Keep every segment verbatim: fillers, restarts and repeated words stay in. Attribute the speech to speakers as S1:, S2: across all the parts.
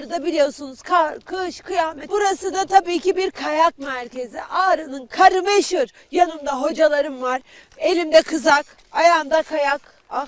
S1: Dışarıda biliyorsunuz kar, kış, kıyamet. Burası da tabii ki bir kayak merkezi. Ağrı'nın karı meşhur. Yanımda hocalarım var. Elimde kızak, ayağımda kayak. Ah,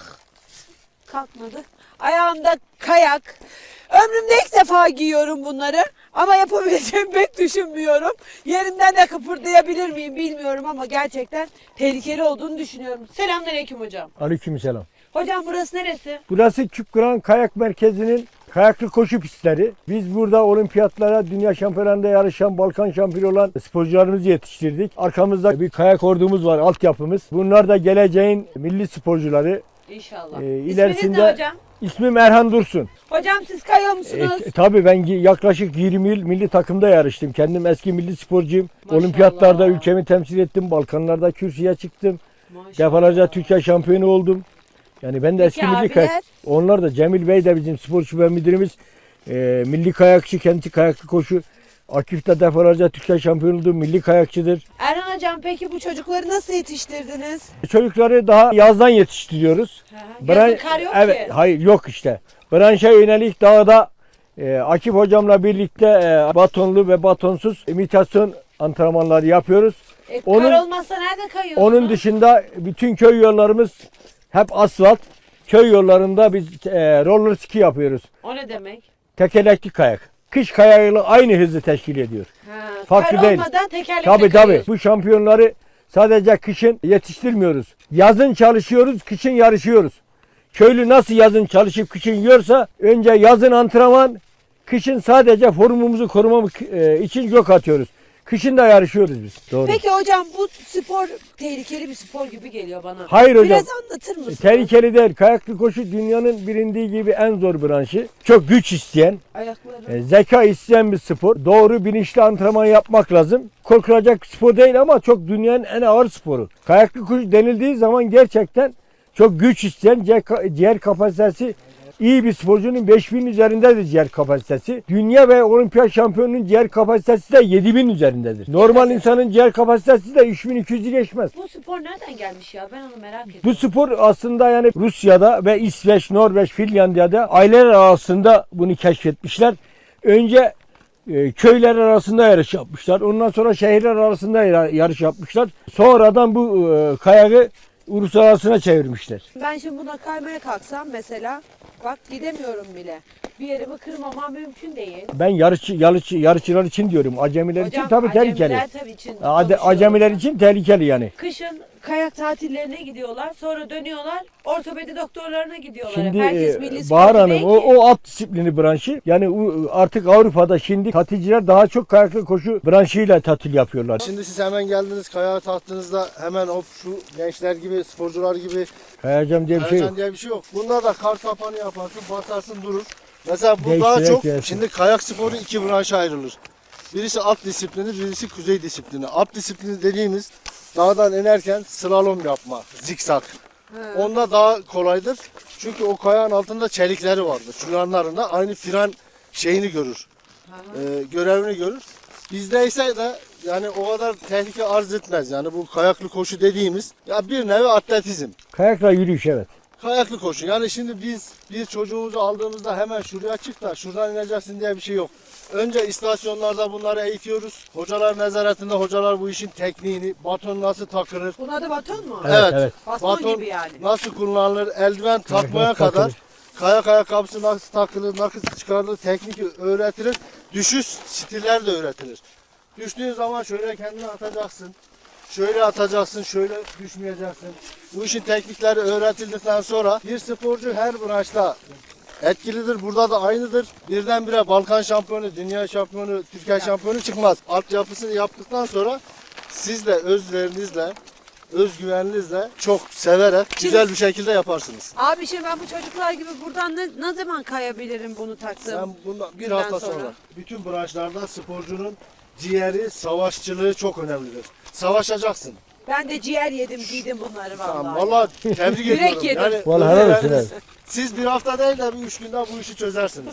S1: kalkmadı. Ayağımda kayak. Ömrümde ilk defa giyiyorum bunları ama yapabileceğimi pek düşünmüyorum. Yerimden de kıpırdayabilir miyim bilmiyorum ama gerçekten tehlikeli olduğunu düşünüyorum. Selamünaleyküm hocam.
S2: Aleykümselam.
S1: Hocam burası neresi?
S2: Burası Küpkıran Kayak Merkezi'nin kayaklı koşu pistleri. Biz burada olimpiyatlara, dünya şampiyonlarında yarışan, Balkan şampiyonu olan sporcularımızı yetiştirdik. Arkamızda bir kayak ordumuz var, altyapımız. Bunlar da geleceğin milli sporcuları.
S1: İnşallah.
S2: Ee,
S1: İsminiz
S2: ilerisinde
S1: ne hocam?
S2: İsmim Erhan Dursun.
S1: Hocam siz kayıyor musunuz?
S2: E, tabii ben yaklaşık yirmi yıl milli takımda yarıştım. Kendim eski milli sporcuyum.
S1: Maşallah.
S2: Olimpiyatlarda ülkemi temsil ettim. Balkanlarda kürsüye çıktım.
S1: Maşallah.
S2: Defalarca Türkiye şampiyonu oldum. Yani ben de
S1: Peki
S2: eski milli
S1: abiler?
S2: kayak. Onlar da Cemil Bey de bizim spor şube müdürümüz. E, milli kayakçı, kendisi kayaklı koşu. Akif de defalarca Türkiye şampiyonu oldu. Milli kayakçıdır.
S1: Erhan hocam peki bu çocukları nasıl yetiştirdiniz?
S2: Çocukları daha yazdan yetiştiriyoruz.
S1: Hı hı. Yazın kar yok
S2: evet,
S1: ki.
S2: Hayır yok işte. Branşa yönelik dağda e, Akif hocamla birlikte e, batonlu ve batonsuz imitasyon antrenmanları yapıyoruz.
S1: E,
S2: Onun-
S1: kar olmazsa nerede kayıyorsunuz?
S2: Onun dışında bütün köy yollarımız hep asfalt. Köy yollarında biz e, roller ski yapıyoruz.
S1: O ne demek?
S2: Tekerlekli kayak. Kış kayağıyla aynı hızı teşkil ediyor.
S1: Ha,
S2: Farklı
S1: kar
S2: değil.
S1: olmadan tekerlekle
S2: Tabii tabii.
S1: kayıyorsun.
S2: Bu şampiyonları sadece kışın yetiştirmiyoruz. Yazın çalışıyoruz, kışın yarışıyoruz. Köylü nasıl yazın çalışıp kışın yiyorsa önce yazın antrenman, kışın sadece formumuzu korumak e, için gök atıyoruz. Kışın da yarışıyoruz biz. Doğru.
S1: Peki hocam bu spor tehlikeli bir spor gibi geliyor bana.
S2: Hayır hocam.
S1: Biraz anlatır mısınız?
S2: Tehlikeli değil. Kayaklı koşu dünyanın bilindiği gibi en zor branşı. Çok güç isteyen,
S1: Ayakları.
S2: e, zeka isteyen bir spor. Doğru bilinçli antrenman yapmak lazım. Korkulacak bir spor değil ama çok dünyanın en ağır sporu. Kayaklı koşu denildiği zaman gerçekten çok güç isteyen, ciğer- ciğer kapasitesi iyi bir sporcunun beş bin üzerindedir ciğer kapasitesi. Dünya ve olimpiyat şampiyonunun ciğer kapasitesi de yedi bin üzerindedir. Normal insanın ciğer kapasitesi de üç bin iki yüzü geçmez.
S1: Bu spor nereden gelmiş ya? Ben onu merak ediyorum.
S2: Bu spor aslında yani Rusya'da ve İsveç, Norveç, Finlandiya'da aileler arasında bunu keşfetmişler. Önce e, köyler arasında yarış yapmışlar. Ondan sonra şehirler arasında yar- yarış yapmışlar. Sonradan bu e, kayağı uluslararasına çevirmişler.
S1: Ben şimdi buna kaymaya kalksam mesela bak gidemiyorum bile. Bir yerimi kırmamam mümkün değil.
S2: Ben yarışçı, yarışçı, yarışçılar için diyorum. Acemiler için tabii tehlikeli.
S1: acemiler tabii için
S2: Ade-
S1: konuşuyorum
S2: Acemiler
S1: ben.
S2: için tehlikeli yani.
S1: Kışın kayak tatillerine gidiyorlar. Sonra dönüyorlar. Ortopedi doktorlarına gidiyorlar.
S2: Şimdi
S1: Herkes
S2: e,
S1: milli
S2: Bahar
S1: sporcu
S2: Hanım
S1: değil
S2: o,
S1: ki.
S2: o alt disiplini branşı. Yani o, artık Avrupa'da şimdi tatilciler daha çok kayaklı koşu branşıyla tatil yapıyorlar.
S3: Şimdi siz hemen geldiniz kayağa taktığınızda hemen o şu gençler gibi, sporcular gibi
S2: Kayacağım diye bir şey yok.
S3: kayacan diye bir şey yok. Bunda da kar sapanı yaparsın, basarsın durur. Mesela bu
S2: Değiştirerek
S3: daha çok,
S2: gelsin.
S3: şimdi kayak sporu iki branşa ayrılır. Birisi alt disiplini, birisi kuzey disiplini. Alt disiplini dediğimiz dağdan inerken slalom yapma, zikzak. Onda daha kolaydır. Çünkü o kayağın altında çelikleri vardır. Şu yanlarında aynı fren şeyini görür. Ee, görevini görür. Bizde ise de yani o kadar tehlike arz etmez. Yani bu kayaklı koşu dediğimiz ya bir nevi atletizm.
S2: Kayakla yürüyüş evet.
S3: Kayaklı koşu. Yani şimdi biz bir çocuğumuzu aldığımızda hemen şuraya çık da şuradan ineceksin diye bir şey yok. Önce istasyonlarda bunları eğitiyoruz. Hocalar nezaretinde hocalar bu işin tekniğini, baton nasıl takılır,
S1: Bunun adı baton mu?
S2: Evet,
S3: Evet.
S2: evet.
S1: Baston
S3: baton
S1: gibi yani.
S3: nasıl kullanılır, eldiven takmaya
S2: nasıl takılır?
S3: kadar, kayak ayakkabısı nasıl takılır, nasıl çıkarılır, teknik öğretilir. Düşüş stiller de öğretilir. Düştüğün zaman şöyle kendini atacaksın. Şöyle atacaksın, şöyle düşmeyeceksin. Bu işin teknikleri öğretildikten sonra bir sporcu her branşta etkilidir. Burada da aynıdır. Birdenbire Balkan şampiyonu, dünya şampiyonu, Türkiye şampiyonu çıkmaz. Altyapısını yaptıktan sonra siz de özverinizle, özgüveninizle çok severek güzel bir şekilde yaparsınız.
S1: Abi şimdi ben bu çocuklar gibi buradan ne, ne zaman kayabilirim bunu taktığım?
S3: Sen bundan bir
S1: günden
S3: hafta sonra.
S1: sonra.
S3: bütün branşlarda sporcunun ciğeri, savaşçılığı çok önemlidir. Savaşacaksın.
S1: Ben de ciğer yedim giydim bunları vallahi.
S3: Tamam, vallahi tebrik
S1: Yürek
S3: ediyorum.
S1: yedim.
S3: Yani
S2: Vallahi helal olsun,
S3: özveriniz-
S2: evet.
S3: Siz bir hafta değil de bir üç günde bu işi çözersiniz.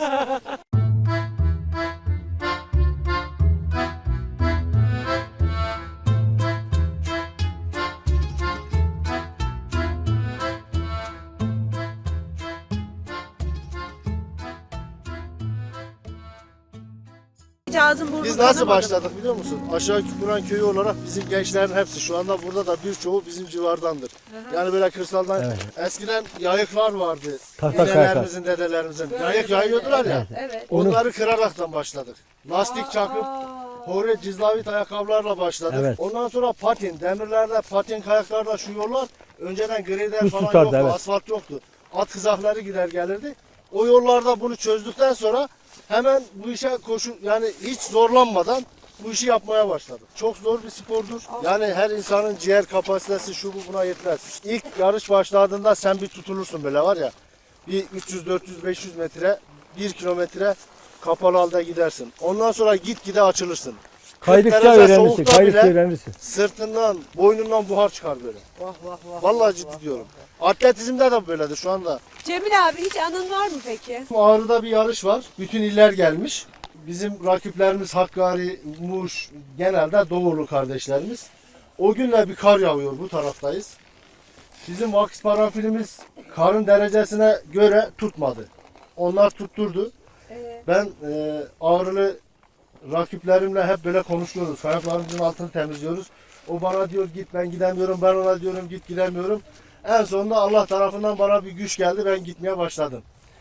S1: hiç ağzın burnun
S3: Biz nasıl
S1: kanamadı mı?
S3: başladık biliyor musun? Aşağı Kuran köyü olarak bizim gençlerin hepsi şu anda burada da birçoğu bizim civardandır. Yani böyle kırsaldan
S2: Evet.
S3: eskiden yayıklar vardı.
S2: Tahta
S3: Dedelerimizin, dedelerimizin.
S1: Böyle
S3: Yayık
S1: böyle.
S3: yayıyordular ya.
S1: Evet. evet.
S2: Onu-
S3: Onları kıraraktan başladık. Lastik çakıp
S1: Aa.
S3: hore cizlavit ayakkabılarla başladık.
S2: Evet.
S3: Ondan sonra patin, demirlerde, patin kayaklarda şu yollar önceden grader
S2: Buz
S3: falan
S2: tutardı,
S3: yoktu,
S2: evet.
S3: asfalt yoktu. At kızakları gider gelirdi. O yollarda bunu çözdükten sonra hemen bu işe koşu yani hiç zorlanmadan bu işi yapmaya başladık. Çok zor bir spordur. Yani her insanın ciğer kapasitesi şu bu buna yetmez. İlk yarış başladığında sen bir tutulursun böyle var ya. Bir üç yüz, dört yüz, beş yüz metre, bir kilometre kapalı halde gidersin. Ondan sonra gitgide açılırsın.
S2: Kaydıkça
S3: derece
S2: öğrenirsin.
S3: soğukta
S2: Kaydıkça
S3: bile-
S2: öğrenirsin.
S3: Sırtından, boynundan buhar çıkar böyle.
S1: Vah vah vah.
S3: Vallahi ciddi diyorum. Atletizmde de böyledir şu anda.
S1: Cemil abi hiç anın var mı peki?
S3: Ağrı'da bir yarış var. Bütün iller gelmiş. Bizim rakiplerimiz Hakkari, Muş, genelde Doğulu kardeşlerimiz. O günle bir kar yağıyor, bu taraftayız. Bizim Vakıf Paranfilimiz karın derecesine göre tutmadı. Onlar tutturdu.
S1: Ee,
S3: Ben e, Ağrılı rakiplerimle hep böyle konuşuyoruz. Kayaklarımızın altını temizliyoruz. O bana diyor git ben gidemiyorum. Ben ona diyorum git gidemiyorum. En sonunda Allah tarafından bana bir güç geldi. Ben gitmeye başladım.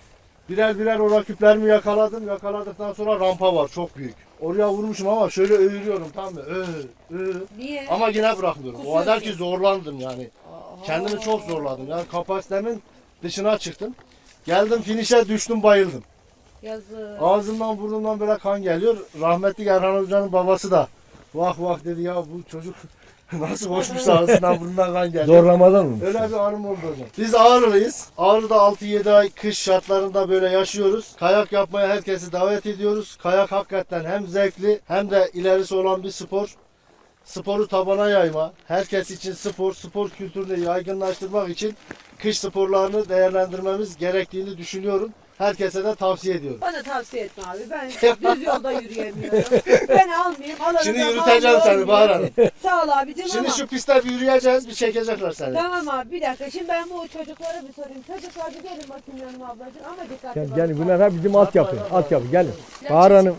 S3: Birer birer o rakiplerimi yakaladım. Yakaladıktan sonra rampa var çok büyük. Oraya vurmuşum ama şöyle övürüyorum tamam mı? Ö, ö.
S1: niye?
S3: Ama yine bırakmıyorum. O kadar ki
S1: Kusuyorsun.
S3: zorlandım yani. Kendimi çok zorladım. Yani kapasitemin dışına çıktım. Geldim finişe düştüm bayıldım.
S1: Yazık.
S3: Ağzımdan burnumdan böyle kan geliyor. Rahmetli Erhan Hoca'nın babası da vah vah dedi ya bu çocuk nasıl koşmuş ağzından burnundan kan geliyor.
S2: Zorlamadan mı?
S3: Öyle bir anım oldu hocam. Biz Ağrılıyız. Ağrı'da altı yedi ay kış şartlarında böyle yaşıyoruz. Kayak yapmaya herkesi davet ediyoruz. Kayak hakikaten hem zevkli hem de ilerisi olan bir spor. Sporu tabana yayma, herkes için spor, spor kültürünü yaygınlaştırmak için kış sporlarını değerlendirmemiz gerektiğini düşünüyorum. Herkese de tavsiye ediyorum.
S1: Bana tavsiye etme abi. Ben düz yolda yürüyemiyorum. Ben almayayım. Alanı
S3: Şimdi
S1: da
S3: yürüteceğim
S1: bağlı
S3: seni Bahar
S1: olmayayım.
S3: Hanım.
S1: Sağ ol abicim
S3: Şimdi
S1: ama.
S3: şu pistte bir yürüyeceğiz, bir çekecekler seni.
S1: Tamam abi bir dakika. Şimdi ben bu çocuklara bir sorayım. Çocuklar bir gelin bakayım yanıma ablacığım ama dikkatli
S2: Yani,
S1: bakın.
S2: yani bunlar hep bizim altyapı. Altyapı gelin. Bahar Hanım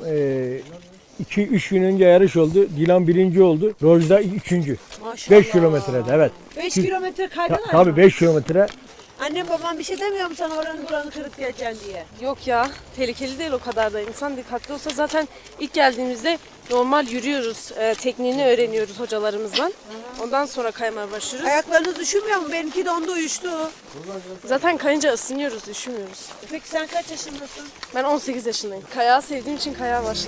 S2: iki üç gün önce yarış oldu. Dilan birinci oldu. Rojda üçüncü.
S1: Maşallah.
S2: beş kilometrede evet.
S1: beş
S2: Ki-
S1: kilometre
S2: Ta,
S1: kaydılar mı?
S2: tabii beş kilometre.
S1: Annem babam bir şey demiyor mu sana oranı buranı kırıp geleceksin diye?
S4: Yok ya, tehlikeli değil o kadar da. İnsan dikkatli olsa zaten ilk geldiğimizde normal yürüyoruz, e, tekniğini öğreniyoruz hocalarımızdan. Ondan sonra kaymaya başlıyoruz.
S1: Ayaklarınız üşümüyor mu? Benimki dondu uyuştu.
S4: Zaten kayınca ısınıyoruz, üşümüyoruz.
S1: Peki sen kaç yaşındasın?
S4: Ben on sekiz yaşındayım. Kayağı sevdiğim için kayağa başladım.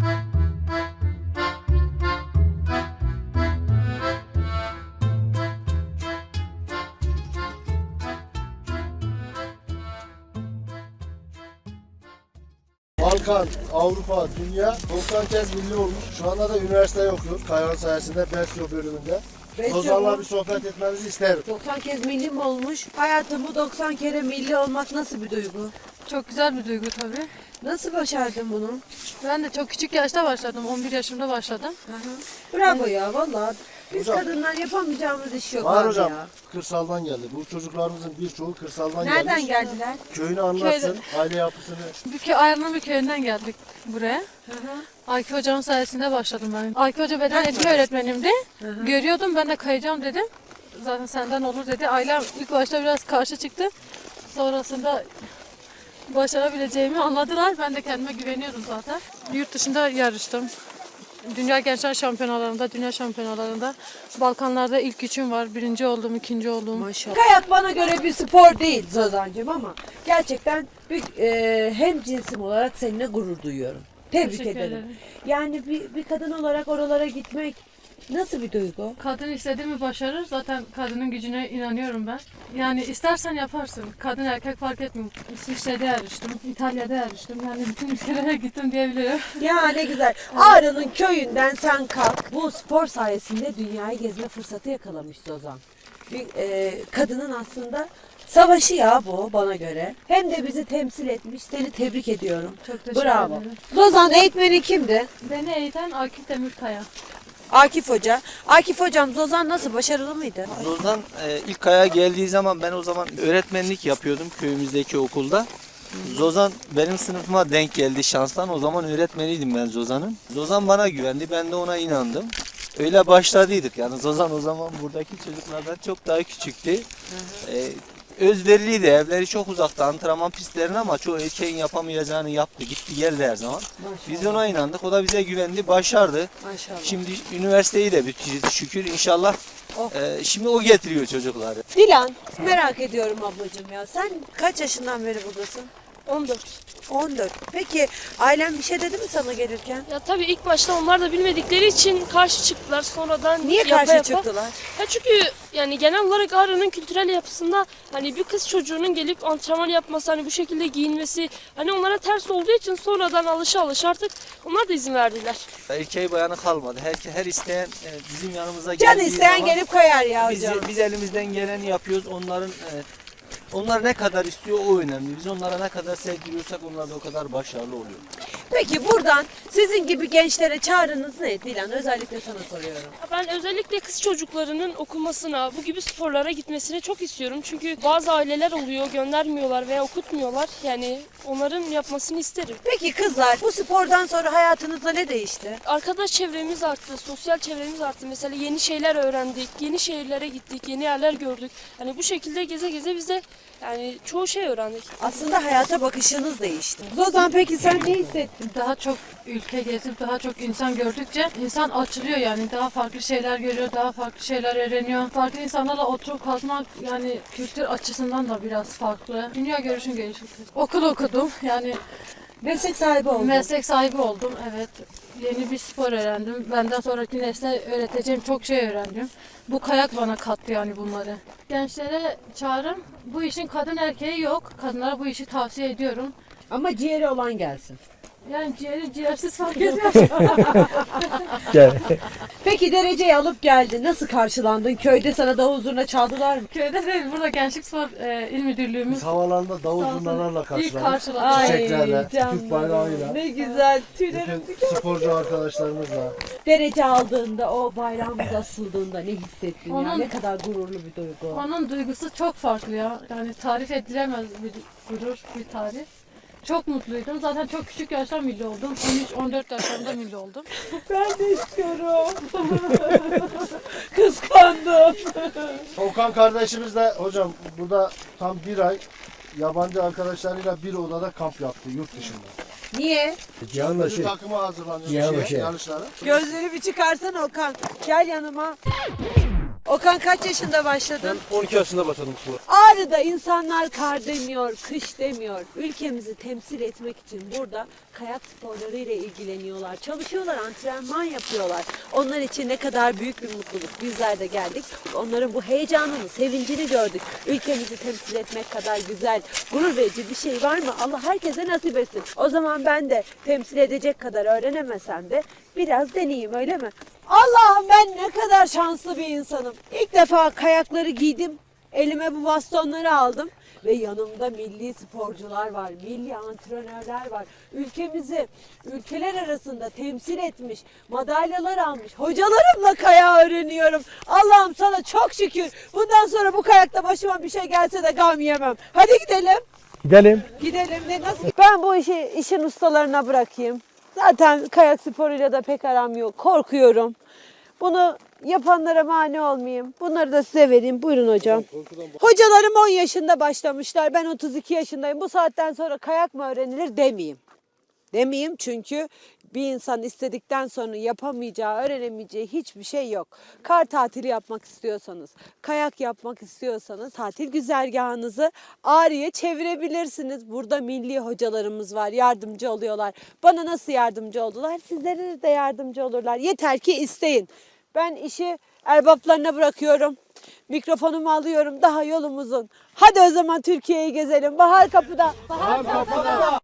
S3: Balkan, Avrupa, dünya doksan kez milli olmuş. Şu anda da üniversite okuyor. Kayağın sayesinde Besyo bölümünde.
S1: Besyo
S3: Ozan'la
S1: mu?
S3: bir sohbet etmenizi isterim.
S1: doksan kez milli mi olmuş? Hayatım bu doksan kere milli olmak nasıl bir duygu?
S5: Çok güzel bir duygu tabii.
S1: Nasıl başardın bunu?
S5: Ben de çok küçük yaşta başladım. on bir yaşımda başladım.
S1: Bravo ya vallahi. Biz
S3: Hocam-
S1: kadınlar yapamayacağımız iş yok
S3: Var
S1: abi
S3: hocam,
S1: ya.
S3: kırsaldan geldi. Bu çocuklarımızın birçoğu kırsaldan
S1: Nereden
S3: gelmiş.
S1: geldiler?
S3: Köyünü anlatsın, aile yapısını.
S5: Bir köy, Ayarlı bir köyünden geldik buraya. Akif Hoca'nın sayesinde başladım ben. Akif Hoca beden eğitimi öğretmenimdi. Görüyordum ben de kayacağım dedim. Zaten senden olur dedi. Ailem ilk başta biraz karşı çıktı. Sonrasında başarabileceğimi anladılar. Ben de kendime güveniyorum zaten. Yurt dışında yarıştım. Dünya Gençler Şampiyonalarında, Dünya Şampiyonalarında, Balkanlarda ilk üçüm var. Birinci oldum, ikinci oldum.
S1: Maşallah. Kayak bana göre bir spor değil Zozancığım ama gerçekten bir, e, hem cinsim olarak seninle gurur duyuyorum. Tebrik
S5: Teşekkür
S1: ederim.
S5: ederim.
S1: Yani bir, bir kadın olarak oralara gitmek nasıl bir duygu?
S5: Kadın istediği mi başarır. Zaten kadının gücüne inanıyorum ben. Yani istersen yaparsın. Kadın erkek fark etmiyor. İsviçre'de yarıştım, İtalya'da yarıştım. Yani bütün ülkelere gittim diyebilirim.
S1: Ya ne güzel. Ağrı'nın köyünden sen kalk. Bu spor sayesinde dünyayı gezme fırsatı yakalamış Zozan. Bir e, kadının aslında savaşı ya bu bana göre. Hem de bizi temsil etmiş. Seni tebrik ediyorum.
S5: Çok teşekkür
S1: Bravo.
S5: ederim.
S1: Zozan eğitmeni kimdi?
S5: Beni eğiten Akif Demirkaya.
S1: Akif Hoca. Akif Hocam Zozan nasıl? Başarılı mıydı?
S6: Zozan e, ilk kayağa geldiği zaman ben o zaman öğretmenlik yapıyordum köyümüzdeki okulda. Zozan benim sınıfıma denk geldi şanstan. O zaman öğretmeniydim ben Zozan'ın. Zozan bana güvendi. Ben de ona inandım. Öyle başladıydık. Yani Zozan o zaman buradaki çocuklardan çok daha küçüktü. Ee, özveriliydi. Evleri çok uzakta antrenman pistlerine ama çoğu erkeğin yapamayacağını yaptı. Gitti geldi her zaman. Biz ona inandık. O da bize güvendi. Başardı.
S1: Maşallah.
S6: Şimdi üniversiteyi de bitirdi şükür. İnşallah
S1: Oh.
S6: e, şimdi o getiriyor çocukları.
S1: Dilan, merak ediyorum ablacığım ya. Sen kaç yaşından beri buradasın?
S4: on dört.
S1: on dört. Peki ailen bir şey dedi mi sana gelirken?
S7: Ya tabii ilk başta onlar da bilmedikleri için karşı çıktılar. Sonradan
S1: Niye
S7: yapa
S1: karşı
S7: yapa-
S1: çıktılar?
S7: Ya çünkü yani genel olarak Ağrı'nın kültürel yapısında hani bir kız çocuğunun gelip antrenman yapması, hani bu şekilde giyinmesi hani onlara ters olduğu için sonradan alışa alışa artık onlar da izin verdiler.
S6: Erkeği bayanı kalmadı. Her, her isteyen e, bizim yanımıza
S1: Can
S6: geldiği
S1: isteyen
S6: zaman
S1: gelip kayar ya
S6: biz,
S1: hocam.
S6: biz elimizden geleni yapıyoruz. Onların e, onlar ne kadar istiyor o önemli. Biz onlara ne kadar sevdiriyorsak onlar da o kadar başarılı oluyor.
S1: Peki buradan sizin gibi gençlere çağrınız ne Dilan? Özellikle sana soruyorum.
S7: Ben özellikle kız çocuklarının okumasına, bu gibi sporlara gitmesini çok istiyorum. Çünkü bazı aileler oluyor, göndermiyorlar veya okutmuyorlar. Yani onların yapmasını isterim.
S1: Peki kızlar, bu spordan sonra hayatınızda ne değişti?
S7: Arkadaş çevremiz arttı, sosyal çevremiz arttı. Mesela yeni şeyler öğrendik, yeni şehirlere gittik, yeni yerler gördük. Hani bu şekilde geze geze biz de yani çoğu şey öğrendik.
S1: Aslında hayata bakışınız değişti. Zozan peki sen ne hissettin?
S5: Daha çok ülke gezip daha çok insan gördükçe insan açılıyor yani. Daha farklı şeyler görüyor, daha farklı şeyler öğreniyor. Farklı insanlarla oturup kalkmak yani kültür açısından da biraz farklı. Dünya görüşün gelişti. Okul okudum yani
S1: Meslek sahibi oldun.
S5: meslek sahibi oldum. Evet. Yeni bir spor öğrendim. Benden sonraki nesle öğreteceğim çok şey öğrendim. Bu kayak bana kattı yani bunları. Gençlere çağrım, bu işin kadın erkeği yok. Kadınlara bu işi tavsiye ediyorum.
S1: Ama ciğeri olan gelsin.
S5: Yani ciğeri ciğersiz fark etmez.
S2: Gel.
S1: Peki dereceyi alıp geldin. Nasıl karşılandın? Köyde sana davul zurna çaldılar mı?
S5: Köyde değil, burada Gençlik Spor e, İl Müdürlüğümüz
S3: Biz havalarında davul
S5: Sağ olsun.
S3: zurnalarla
S5: ilk
S3: karşıladık.
S5: karşıladı.
S3: Çiçeklerle, Türk bayrağıyla.
S1: Ne güzel. Tüylerim.
S3: Bütün sporcu arkadaşlarımızla.
S1: Derece aldığında, o bayrağımız asıldığında ne hissettin ya?
S5: Onun-
S1: Ne kadar gururlu bir duygu.
S5: Onun duygusu çok farklı ya. Yani tarif edilemez bir gurur, bir tarif. Çok mutluydum. Zaten çok küçük yaşta milli oldum. on üç on dört yaşlarında milli oldum.
S1: Ben de istiyorum. Kıskandım.
S3: Okan kardeşimiz de hocam burada tam bir ay yabancı arkadaşlarıyla bir odada kamp yaptı yurt dışında.
S1: Niye?
S2: Cihan'la
S3: Bir
S2: şey.
S3: takıma hazırlanıyor
S2: Cihan'la
S3: şeye,
S2: şey.
S3: yarışlara.
S1: Gözleri bir çıkarsan Okan. Gel yanıma. Okan kaç yaşında başladın?
S8: on iki yaşında başladım spora.
S1: Ağrı'da insanlar kar demiyor, kış demiyor. Ülkemizi temsil etmek için burada kayak sporları ile ilgileniyorlar. Çalışıyorlar, antrenman yapıyorlar. Onlar için ne kadar büyük bir mutluluk. Bizler de geldik. Onların bu heyecanını, sevincini gördük. Ülkemizi temsil etmek kadar güzel, gurur verici bir şey var mı? Allah herkese nasip etsin. O zaman ben de temsil edecek kadar öğrenemesem de biraz deneyeyim, öyle mi? Allah'ım, ben ne kadar şanslı bir insanım. İlk defa kayakları giydim. Elime bu bastonları aldım ve yanımda milli sporcular var, milli antrenörler var. Ülkemizi ülkeler arasında temsil etmiş, madalyalar almış hocalarımla kayağı öğreniyorum. Allah'ım sana çok şükür. Bundan sonra bu kayakta başıma bir şey gelse de gam yemem. Hadi gidelim.
S2: Gidelim.
S1: Gidelim de nasıl? Ben bu işi işin ustalarına bırakayım. Zaten kayak sporuyla da pek aram yok. Korkuyorum. Bunu yapanlara mani olmayayım. Bunları da size vereyim. Buyurun hocam. Hocalarım on yaşında başlamışlar. Ben otuz iki yaşındayım. Bu saatten sonra kayak mı öğrenilir demeyeyim. Demeyeyim çünkü bir insan istedikten sonra yapamayacağı, öğrenemeyeceği hiçbir şey yok. Kar tatili yapmak istiyorsanız, kayak yapmak istiyorsanız tatil güzergahınızı Ağrı'ya çevirebilirsiniz. Burada milli hocalarımız var, yardımcı oluyorlar. Bana nasıl yardımcı oldular? Sizlere de yardımcı olurlar. Yeter ki isteyin. Ben işi erbaplarına bırakıyorum. Mikrofonumu alıyorum. Daha yolum uzun. Hadi o zaman Türkiye'yi gezelim. Bahar kapıda. Bahar kapıda.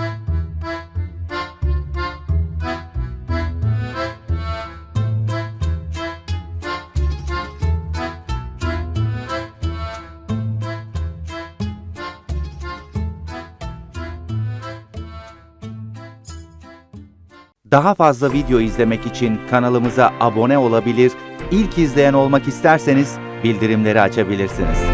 S9: Daha fazla video izlemek için kanalımıza abone olabilir, ilk izleyen olmak isterseniz bildirimleri açabilirsiniz.